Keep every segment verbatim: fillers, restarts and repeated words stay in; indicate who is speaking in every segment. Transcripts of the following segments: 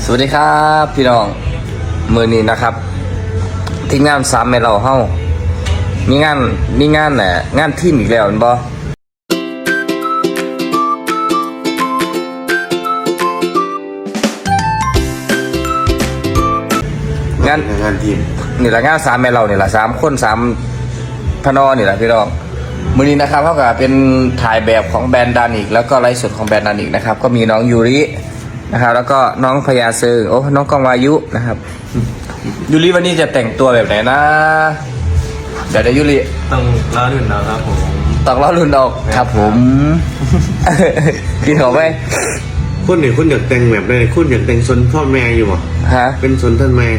Speaker 1: สวัสดีครับพี่น้องมือนี้นะครับทีมงานสามแม่เราเฮ้ามีงานมีงานแหละงานทีมอีกแล้วเห็นบ่งาน
Speaker 2: งานทีม
Speaker 1: นี่แหละงานสามแม่เรานี่แหละสามคนสามพนอนี่แหละพี่น้องมือนี้นะครับเท่ากับเป็นถ่ายแบบของแบรนด์ดานิกแล้วก็ไลฟ์สดของแบรนด์ดานิกนะครับก็มีน้องยูรินะครับแล้วก็น้องพญาเซิงโอ้น้องกองวายุนะครับยูริวันนี้จะแต่งตัวแบบไหนนะเดี๋ยวเดี๋ยวยูริ
Speaker 3: ต้องล้อรุ่นเราครับผม
Speaker 1: ต้องล้อรุ่นออกครับผมกินเขาไหม
Speaker 2: คุณเนี่ยคุณอยากแต่งแบบไหนคุณอยากแต่งสนพ่อแม่อยู่บ่
Speaker 1: ฮะ
Speaker 2: เป็นสนท่านแม่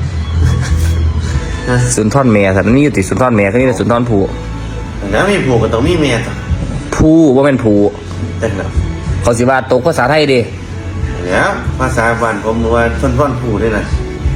Speaker 1: สุนทรแม่สันนี่อยู่ติดสุนทรแม่เขานี่เป็นสุนทรผู
Speaker 2: แล้วมีผูกก็ต้องมีแม่ต่อ
Speaker 1: ผู้ว่าเป็นผู
Speaker 2: แต่งแล้ว
Speaker 1: เขาสิว่าตกภาษาไทยดิ
Speaker 2: เนี่ยภาษาบ้านผมว่าชนท่อนผูได้นะ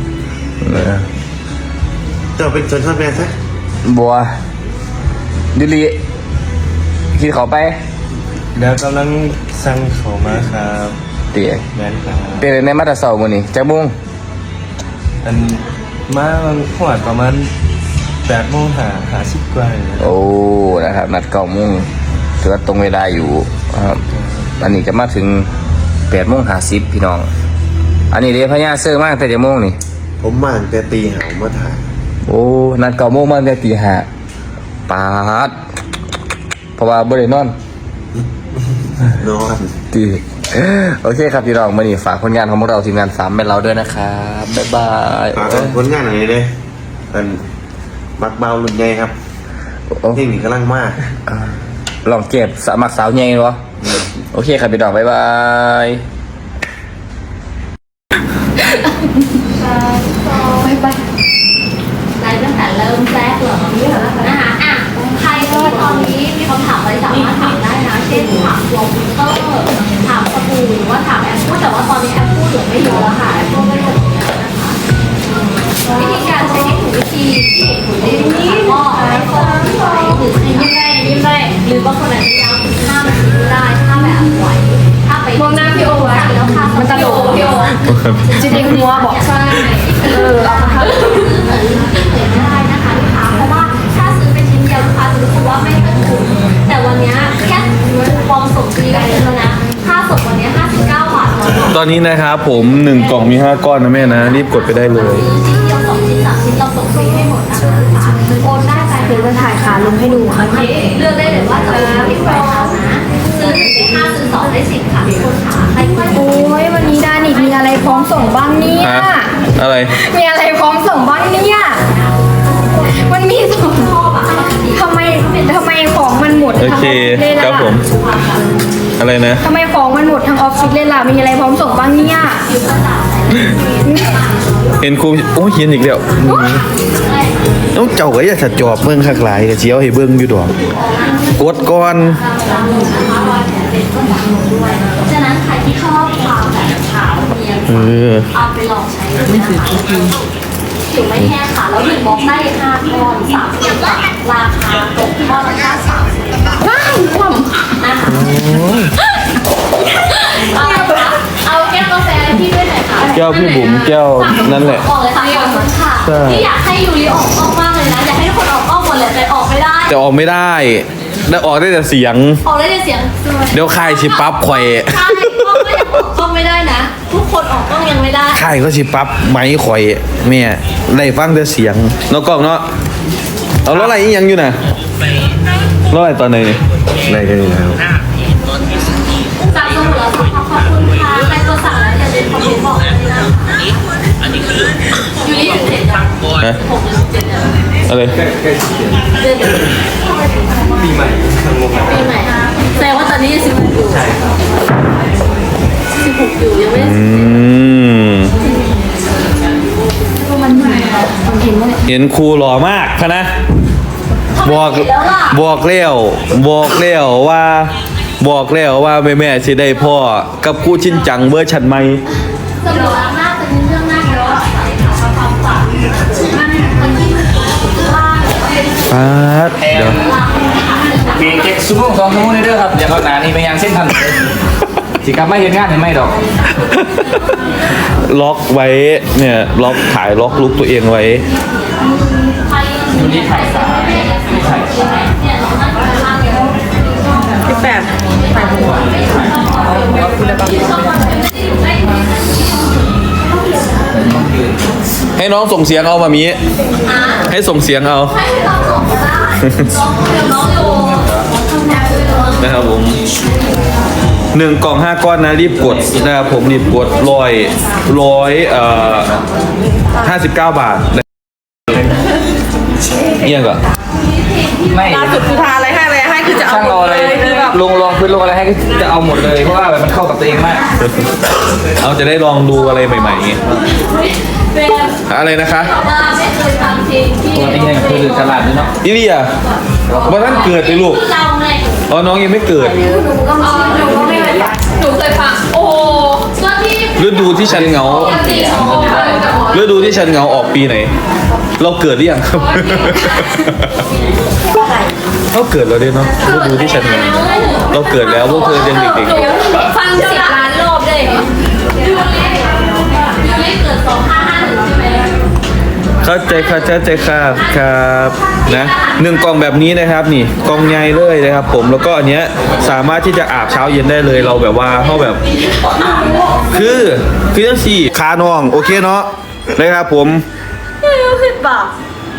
Speaker 2: เจ้าเป็นชนท่อนแม่ซะ
Speaker 1: บัวยูริกินเขาไป
Speaker 3: เดี๋ยวกำลังสั่งเขามาครับ
Speaker 1: เตี๋ย
Speaker 3: แม่นครับ
Speaker 1: เป็นในมาตราเสาร์มื้อนี้จักโมง
Speaker 3: อันมาขวดประมาณแปดโมงหาหาสิบกว่า
Speaker 1: โอ้นะครับนัดเก้าโมงถือว่าตรงเวลาอยู่ครับอันนี้จะมาถึงแปดโมงห้าสิบพี่น้องอันนี้เดี๋ยวพญาเสื้อมากแต่จะโมงนี่
Speaker 2: ผมมาตั้งแต่ตีหาวมาถ่าย
Speaker 1: โอ้นัดเก้าโมงมาแต่ตีห้าปาดเพราะว่าบ่ได้นอน
Speaker 2: นอน
Speaker 1: ตีโอเคครับพี่น้องมื้อนี้ฝากผลงานของพวกเราทีมงานสามแม่เราด้วยนะครับบ๊ายบาย
Speaker 2: ฝากผลงานอะไรเด้เป็นมักเบาลุ่นใหญ่ครับเพลงนี้กำลังมาก
Speaker 1: ลองเก็บสมัครสาวใหญ่วะโอเคครับพี่น้องบ๊ายบาย
Speaker 4: ไปไปไลฟ์ตั้งแต่เริ่มแรกเหรอนะคะอ่ะใครที่ตอนนี้มีคำถามอะไรสามารถถามได้นะเช่นถามตัวพิมเตอร์ถามสบู่หรือว่าถามแอปพูดแต่ว่าตอนนี้แอปพูดเหลือไม่เยอะแล้วค่ะแอปพูดไม่หมดแล้วนะคะวิธีการใช้ให้ถูกวิธีที่ถูกวิธีก็ให้ตรงหรือยิ้มได้ยิ้มได้หรือบางคนอาจจะยาวถึงห้านาทีได้ถ้าแบบไหวถ้าไปมองหน้าพี่โอไว้แล้วค่ะมันตลกพี่โอจริงๆหัวบอกใช่เออเอามาทำที่เผยไม่ได้นะคะลูกค้าเพราะว่าถ้าซื้อเป็นชิ้นเดียวลูกค้าจะรู้สึกว่าไม่ต้นทุนแต่วันนี้แค่ฟองส่งฟรีก็คือแล้วนะค่าส่งวันนี้ห้าสิบเก้าบาท
Speaker 3: ตอนนี้นะครับผมหนึ่งกล่องมีห้าก้อนนะแม่นะรีบกดไปได้เลย
Speaker 4: ซื้อชิ้นเดียวสองชิ้นสามชิ้นเราส่งฟรีให้หมดนะคะโอนได้ใจเดี๋ยวจะถ่ายขาลงให้ดูค่ะเลือกได้เลยว่าจะเอาที่ไหนเอานะซื้อหนึ่งได้ห้าซื้อสองได้สิบค่ะทุกคนค่ะใครก็โอ้ยวันนี้ดานิกมีอะไรพร้อมส่งบ้างเนี่ย
Speaker 3: อะไร
Speaker 4: มีอะไรพร้อมส่งบ้างเนี่ยมันมีส่งทำไมทำไมของมันหมด
Speaker 3: โอเคครับผมอะไรนะ
Speaker 4: ทำไมของมันหมดทั้งออฟฟิศเลยล่ะมีอะไรพร้อมส่งบ้างเนี่ย
Speaker 3: เห็นครูโอ้ยเขียนอีกแล้วน้องเจ้าก็อยากจะจอบเมืองคักหลายแต่เชียวให้เบิ้งอยู่ดอกกดก่อน
Speaker 4: ฉะนั้นใครที่ชอบความแบบขาวเนียนเอาไปลองใช้ไม่ถือจริงผิวไม่แห้งค่ะแล้วหนึ่งบล็อกได้ห้าก้อนสามสิบบาทราคาตกก้อนละแค่สามสิบบาทว้าวความนะคะเอาแก้วกาแฟพี่ด้วยหน่อยค่ะ
Speaker 3: แก้วพี่บุ๋มแก้วนั่นแหละ
Speaker 4: บอกเลยค่ะขอบคุณค่ะที่อยากให้ยูริออกกล้องมากเลยนะอยากให้ทุกคนออกกล้องหมดเลยแต่ออกไม่ได้
Speaker 3: แต่ออกไม่ได้ได้ออกได้แต่เสียง
Speaker 4: ออกได้แต่เสียง
Speaker 3: เดี๋ยวใครชิปั๊บข่อย
Speaker 4: ใช่กล้องก็ยังออกกล้องไม่ได้นะทุกคนออกกล้องยังไม่ได้
Speaker 3: ใครก็ชิปั๊บไม้ข่อยแม่ได้ฟังแต่เสียงนอกกล้องเนาะเอาล้ออะไรยังอยู่น่ะล้ออะไรตอนไหนนี่
Speaker 2: ได้กันแล้ว
Speaker 4: สั่งตัวหมดแล้วขอบคุณค่ะใครตัวสั่งแล้วอย่าลืมคอมเมนต์บอกด้วยนะคะยูริถึงเจ็ดจัง
Speaker 3: ฮะ
Speaker 4: หกถึงเจ็ดจัง
Speaker 3: อะไร
Speaker 4: ปีใหม่ปีใหม่แสดงว่าตอนนี้สิบหกอยู่ใช่สิบหกอยู่ยังไม่
Speaker 3: อืมเห็นครูหล่อมากคะนะบอกบอกเลี้ยวบอกเลี้ยวว่าบอกแล้วว่าแม่แม่สิได้พ่อกับครูชินจังเวอร์ชันใหม่
Speaker 4: สนุกมากเป็นเรื่องน่าเยอะความฝันมันมันที่ว่า
Speaker 3: ป๊าดเดี๋ยว
Speaker 1: เบรกเจ็ดชั่วโมงสองชั่วโมงเด้อครับเดี๋ยวเขาหนานี่ไปยังเส้นทันเลยสิครับไม่เห็นงานเห็นไหมดอก
Speaker 3: ล็อกไว้เนี่ยล็อกถ่ายล็อกลุกตัวเองไว้
Speaker 4: ใครที่ถ่ายสายเนี่ยเรานั่งอยู่ข้างเดียว
Speaker 5: ที่แบบถ่ายหัวคุณเลยปะ
Speaker 3: ให้น้องส่งเสียงเอามามีให้ส่งเสียงเอา
Speaker 4: ให้เราส่งก็ได้น้องเดี๋ยวน้องอยู่
Speaker 3: นะครับผมหนึ่งกล่องห้าก้อนนะรีบกดนะครับผมรีบกดร้อยร้อยเอ่อห้าสิบเก้าบาทเอี่ยงก่อน
Speaker 1: ไม่
Speaker 5: ล่าสุดคือทาอะไรให้อะไรให้คือจะเอา
Speaker 1: ช่าง
Speaker 5: หม
Speaker 1: รอ
Speaker 5: ด
Speaker 1: อะไร
Speaker 5: เลยคือแบบ
Speaker 1: ลงลองพื้นลงอะไรให้ก็จะเอาหมดเลยเพราะว่าแบบมันเข้ากับตัวเองมาก
Speaker 3: เอาจะได้ลองดูอะไรใหม่ๆ
Speaker 4: เป็น
Speaker 3: อะไรนะคะ
Speaker 4: ว่าไม่เคยฟังเพลงที่
Speaker 1: ตัวนี้เนี่ยคือฉลาดด้วยเนาะ
Speaker 3: อิเลียวันนั้นเกิดเลยลูก
Speaker 4: เราไง
Speaker 3: อ๋อน้องยังไม่เกิด
Speaker 4: หนูก็อ๋อหนูก็ไม่เคยฟังหนูเคยฟังโอ้ก็ที่
Speaker 3: ฤดูที่ฉันเหงา
Speaker 4: สี่ชั่วโมง
Speaker 3: ฤดูที่ฉันเหงาออกปีไหน เราเกิดหรือยังครับ เราเกิดแล้วเด้เนาะฤดูที่ฉันเหงาเราเกิดแล้วพวกเธอยังเด็ก
Speaker 4: ฟังสิบล้านรอบเลยไม่เกิดสองห้าห้าหนึ่งใช่ไหม
Speaker 3: ๆเข้าใจค่ะเข้าใจค่ะครับนะหนึ่งกล่องแบบนี้นะครับนี่กล่องใหญ่เลยนะครับ ผมแล้วก็อันเนี้ยสามารถที่จะอาบเช้าเย็นได้เลยเราแบบว่าเขาแบบ คือคือจังสี่คาน้องโอเคเนาะนะครับผม
Speaker 5: สิบบาท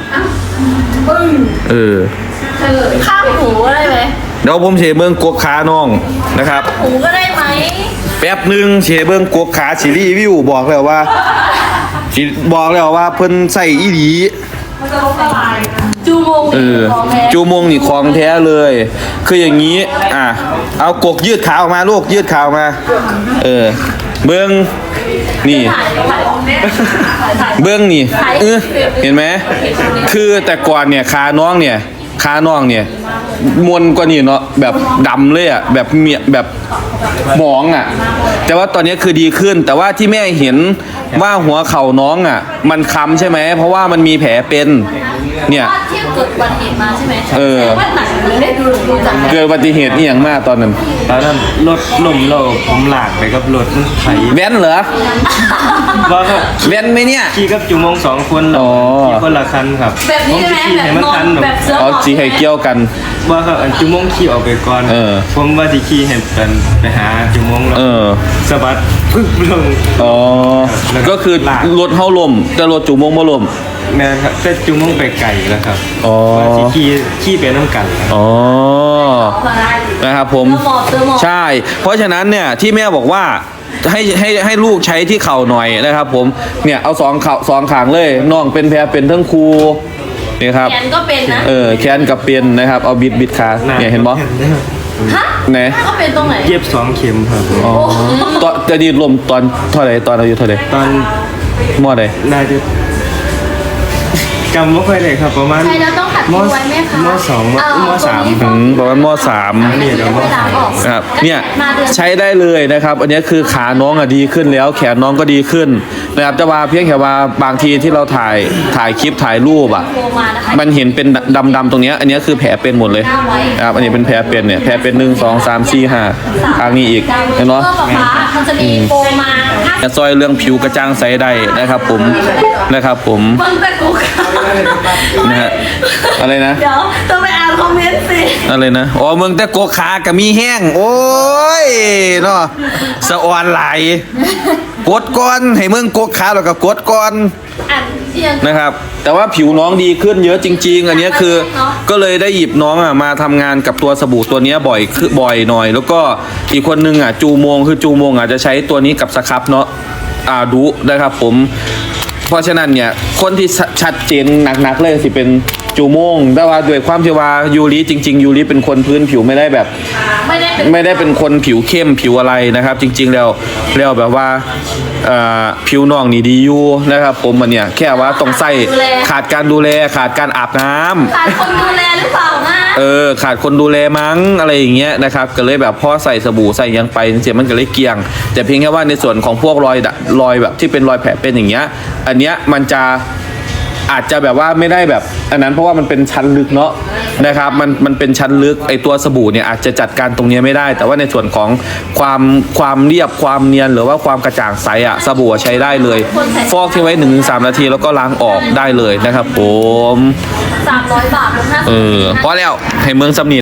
Speaker 3: เออ
Speaker 5: ข้างหูก็ได้ไหม
Speaker 3: เดี๋ยวผมเฉเบิ้งกวกขาน้องนะครับ
Speaker 5: หูก็ได้ไหม
Speaker 3: แป๊บหนึ่งเฉเบิ้งกวกขาสิรีวิวบอกแล้วว่าสิบอกแล้วว่าเพิ่นใส่อีหลี
Speaker 5: จูโมง
Speaker 3: เออจูมงนี่ของแท้เลย คืออย่างนี้อ่ะเอากกยืดขาออกมาลูกยืดขาออกมา เออ เบิ้งนี่ เบื้องนี่เออเห็นไหมคือแต่ก่อนเนี่ยขาน้องเนี่ยขาน้องเนี่ยมวนกว่านี่เนาะแบบดำเลยอ่ะแบบเมียแบบหมองอ่ะ แต่ว่าตอนนี้คือดีขึ้น แต่ว่าที่แม่เห็นว่าหัวเข่าน้องอ่ะ มันค้ำใช่ไหมเพราะว่ามันมีแผลเป็นเนี่ย
Speaker 4: ว่าที่เกิดอุบัติเหตุมาใช่ไหม
Speaker 3: เออ
Speaker 4: ว่าหนังเลยได้ดูดูจาก
Speaker 3: เกิดอุบัติเหตุนี่อย่างมากตอนนั้น
Speaker 2: ตอนนั้นรถล่มเราผมหลากไปกับรถมันไถ
Speaker 3: แว้นเหรอ
Speaker 2: ว่าครับ
Speaker 3: แว้นไหมเนี่ย
Speaker 2: ขี่กับจุมงสองคน
Speaker 3: อ๋อ
Speaker 2: ขี่คนละคันครับ
Speaker 4: แบบนี้ใช่ไหม
Speaker 2: ผขี่
Speaker 4: แบบ
Speaker 2: ให้มัน
Speaker 4: นอ
Speaker 2: ทั
Speaker 4: น
Speaker 2: นหนู
Speaker 4: แบบเสื้อ
Speaker 3: เอาจีให้เกี่ยวกัน
Speaker 2: ว่าครับอันจุมงขี่ออกไปก่อน
Speaker 3: เออ
Speaker 2: ผมว่าที่ขี่เห็นเป็นไปหาจุมงแล้ว
Speaker 3: เออ
Speaker 2: สะบัดปึ๊บลง
Speaker 3: อ๋อ ก็คือรถเฮาลมแต่รถจูมงบ่ลม
Speaker 2: แม่นครับแต่จุมงไปไก่แล้วครับ
Speaker 3: อ๋อ
Speaker 2: ว่าที่ขี่ขี่ไปน้ำกันครับ
Speaker 3: อ๋อ นะครับผม
Speaker 4: เสื้อหมอบเสื้อหมอบ
Speaker 3: ใช่ เพราะฉะนั้นเนี่ยที่แม่บอกว่าให้ให้ให้ลูกใช้ที่เข่าหน่อยนะครับผม เนี่ยเอาสองเข่าสองขางเลยน้องเป็นแผลเป็นทั้งครูนี่ครับ
Speaker 4: แขนก็เป็นนะ
Speaker 3: เออแขนกับเป็นนะครับ เอาบิดบิดขาเนี่ยเห็นปะ
Speaker 4: ฮะ
Speaker 3: ไหน
Speaker 4: ก็เป็นตรงไหน
Speaker 2: เย็บสองเข็มครับ
Speaker 3: อ๋อตอนจะดีดลมตอนเท่าไหร่ตอนอายุเท่าไหร่
Speaker 2: ตอน
Speaker 3: มอใด
Speaker 2: น่าจะจำไม่ค่อยได้ครับประมาณ
Speaker 4: ใช่แล้วต้องตัดทิ้งไว้ไหมคะ
Speaker 2: มสองม
Speaker 4: เ
Speaker 2: มสาม
Speaker 3: อืมประมาณมสาม
Speaker 2: นี่เดี๋ยวม
Speaker 4: ไม่ล้างออก
Speaker 3: ครับเนี่ย
Speaker 4: มาเดือน
Speaker 3: ใช้ได้เลยนะครับ อันนี้คือขาน้องอะดีขึ้นแล้ว แขนน้องก็ดีขึ้นนะครับจะว่าเพียงแค่ว่าบางทีที่เราถ่ายถ่ายคลิปถ่ายรูปอ่ะ
Speaker 4: โทรมานะคะ
Speaker 3: มันเห็นเป็นดำๆตรงเนี้ยอันนี้คือแผลเป็นหมดเลยนะครับอันนี้เป็นแผลเป็นเนี่ยแผลเป็นหนึ่งสองสามสี่ห้าทางนี้อีกเห็นไหม
Speaker 4: เสื้อฟ้ามันจะมีโฟมมาถ้า
Speaker 3: จะซอยเรื่องผิวกระจ่างใสได้นะครับผมนะครับผม
Speaker 4: มันเป็นกูค่ะ
Speaker 3: นะฮะอะไรนะ
Speaker 5: เดี๋ยวต้องไปอ่านคอมเมนต์สิ
Speaker 3: อะไรนะอ๋อเมืองแต่โกขากะมีแห้ง โอ้ยเนาะสะออนไหลายกดก่อนให้เมืองโกขาแล้วก็กดก่อน
Speaker 4: อ่านเสียง
Speaker 3: นะครับ แต่ว่าผิวน้องดีขึ้นเยอะจริง ๆ อันเนี้ยคือก็เลยได้หยิบน้องอ่ะมาทำงานกับตัวสบู่ตัวเนี้ยบ่อยคือบ่อยหน่อย แล้วก็อีกคนนึงอ่ะจูโมงคือจูโมงอ่ะจะใช้ตัวนี้กับสครับเนาะอ่าดูนะครับผม เพราะฉะนั้นเนี่ยคนที่ชัดเจนหนักๆเลยสิเป็นจูโมงแต่ว่าด้วยความที่ว่ายูริจริง ๆ ยูริเป็นคนพื้นผิวไม่ได้แบบ
Speaker 4: ไม่ได้เป็น
Speaker 3: ไม่ได้เป็นคนผิวเข้มผิวอะไรนะครับ จริง ๆ แล้วแล้วแบบว่าเอ่อผิวน้องนี่ดีอยู่นะครับ ผมมันเนี่ยแค่ว่าต้องใส่ขาดการดูแลขาดการอาบน้ำ
Speaker 4: ขาดคนดูแลหรือเปล่านะ
Speaker 3: เออขาดคนดูแลมั้งอะไรอย่างเงี้ยนะครับก็เลยแบบพ่อใส่สบู่ใส่หยังไปเสียมันก็เลยเกลียง แต่เพียงแค่ว่าในส่วนของพวกรอยดะรอยแบบที่เป็นรอยแผลเป็นอย่างเงี้ยอันเนี้ยมันจะอาจจะแบบว่าไม่ได้แบบอันนั้นเพราะว่ามันเป็นชั้นลึกเนาะนะครับมันมันเป็นชั้นลึกไอตัวสบู่เนี่ยอาจจะจัดการตรงนี้ไม่ได้ แต่ว่าในส่วนของความความเรียบความเนียนหรือว่าความกระจ่างใสอะสบู่ใช้ได้เลย ฟอกทิ้งไว้ หนึ่งถึงสาม นาทีแล้วก็ล้างออกได้เลยนะครับผม
Speaker 4: สามร้อยบาทลดห้าสิบ
Speaker 3: เออพอแล้วให้เมืองสำนี